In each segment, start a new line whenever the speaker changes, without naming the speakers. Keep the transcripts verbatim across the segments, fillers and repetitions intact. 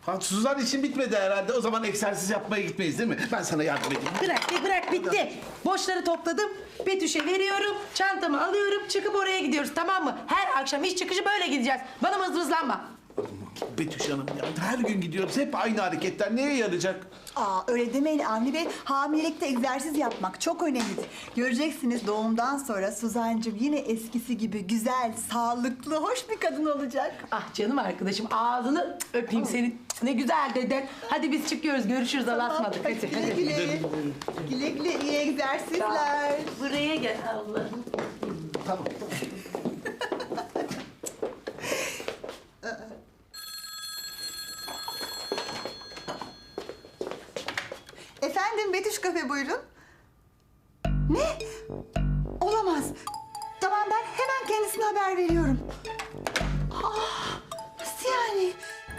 Ha, Suzan için bitmedi herhalde. O zaman egzersiz yapmaya gitmeyiz değil mi? Ben sana yardım edeyim.
Bırak be bırak bitti. Boşları topladım. Betüş'e veriyorum. Çantamı alıyorum. Çıkıp oraya gidiyoruz tamam mı? Her akşam iş çıkışı böyle gideceğiz. Bana mızmızlanma.
Betüş Hanım ya her gün gidiyoruz. Hep aynı hareketler. Neye yarayacak?
Aa, öyle demeyin Avni Bey. Hamilelikte egzersiz yapmak çok önemlidir. Göreceksiniz doğumdan sonra Suzancığım yine eskisi gibi güzel, sağlıklı, hoş bir kadın olacak.
Ah canım arkadaşım ağzını öpeyim seni. Ne güzel dedin. Hadi biz çıkıyoruz. Görüşürüz. Allah'a ısmarladık. Hadi,
Güle
hadi.
güle. Güle güle iyi egzersizler.
Buraya gel Allah'ım.
Tamam.
Efendim Betüş Kafe buyurun. Ne? Olamaz. Tamam ben hemen kendisine haber veriyorum. Ah, nasıl yani?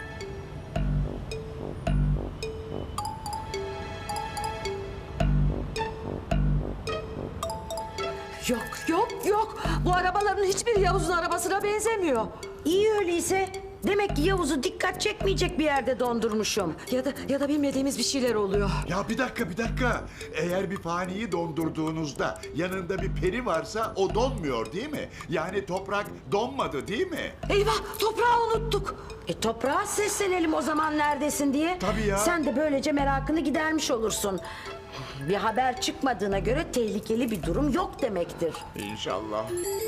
Yok yok yok. Bu arabaların hiçbiri Yavuz'un arabasına benzemiyor.
İyi öyleyse. Demek ki Yavuz'u dikkat çekmeyecek bir yerde dondurmuşum.
Ya da ya da bilmediğimiz bir şeyler oluyor.
Ya bir dakika bir dakika. Eğer bir faniyi dondurduğunuzda yanında bir peri varsa o donmuyor değil mi? Yani toprak donmadı değil mi?
Eyvah toprağı unuttuk.
E toprağa seslenelim o zaman neredesin diye.
Tabii ya.
Sen de böylece merakını gidermiş olursun. Bir haber çıkmadığına göre tehlikeli bir durum yok demektir.
İnşallah.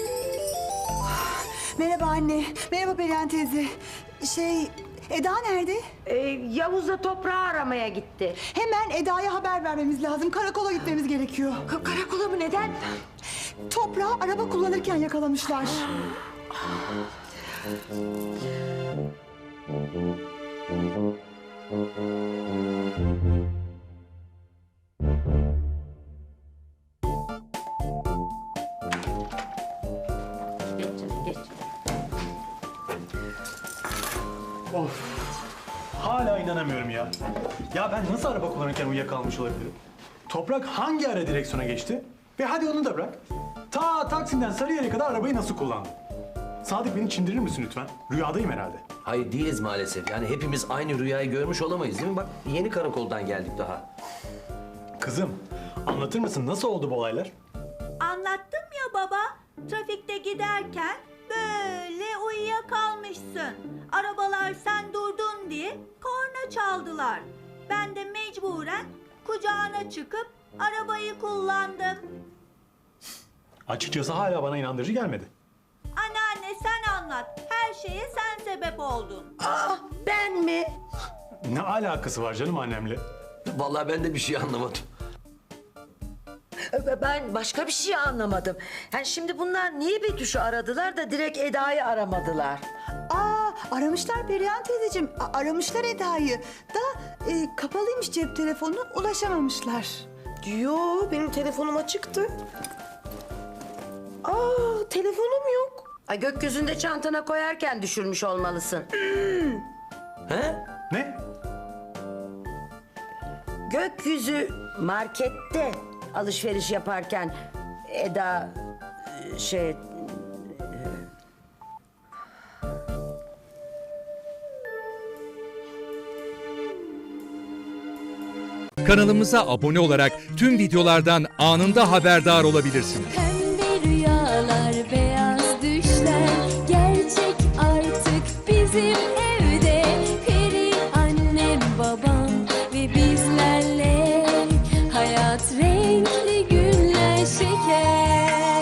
Merhaba anne. Merhaba Perihan teyze. Şey, Eda nerede?
E, Yavuz da toprağı aramaya gitti.
Hemen Eda'ya haber vermemiz lazım. Karakola gitmemiz gerekiyor.
Ka- karakola mı neden?
Toprağı araba kullanırken yakalamışlar.
Geç canım geç.
Of. Hala inanamıyorum ya. Ya ben nasıl araba kullanırken uyuyakalmış olabilirim? Toprak hangi ara direksiyona geçti? Ve hadi onu da bırak. Ta Taksim'den Sarıyer'e kadar arabayı nasıl kullandı? Sadık beni çindirir misin lütfen? Rüyadayım herhalde.
Hayır değiliz maalesef. Yani hepimiz aynı rüyayı görmüş olamayız değil mi? Bak yeni karakoldan geldik daha.
Kızım, anlatır mısın nasıl oldu bu olaylar?
Anlattım ya baba. Trafikte giderken böyle uyuyakalmışsın. Arabalar sen durdun diye korna çaldılar. Ben de mecburen kucağına çıkıp arabayı kullandım.
Açıkçası hala bana inandırıcı gelmedi.
Anneanne sen anlat. Her şeye sen sebep oldun.
Ah ben mi?
Ne alakası var canım annemle?
Vallahi ben de bir şey anlamadım.
Ben başka bir şey anlamadım. Yani şimdi bunlar niye Betüş'ü aradılar da direkt Eda'yı aramadılar?
Aa, aramışlar Perihan teyzeciğim. A- aramışlar Eda'yı. Da e, kapalıymış cep telefonu, ulaşamamışlar.
Yo benim telefonum açıktı. Aa telefonum yok.
Ay gökyüzünde çantana koyarken düşürmüş olmalısın.
He?
Ne?
Gökyüzü markette alışveriş yaparken Eda e, şey
Kanalımıza abone olarak tüm videolardan anında haberdar olabilirsiniz.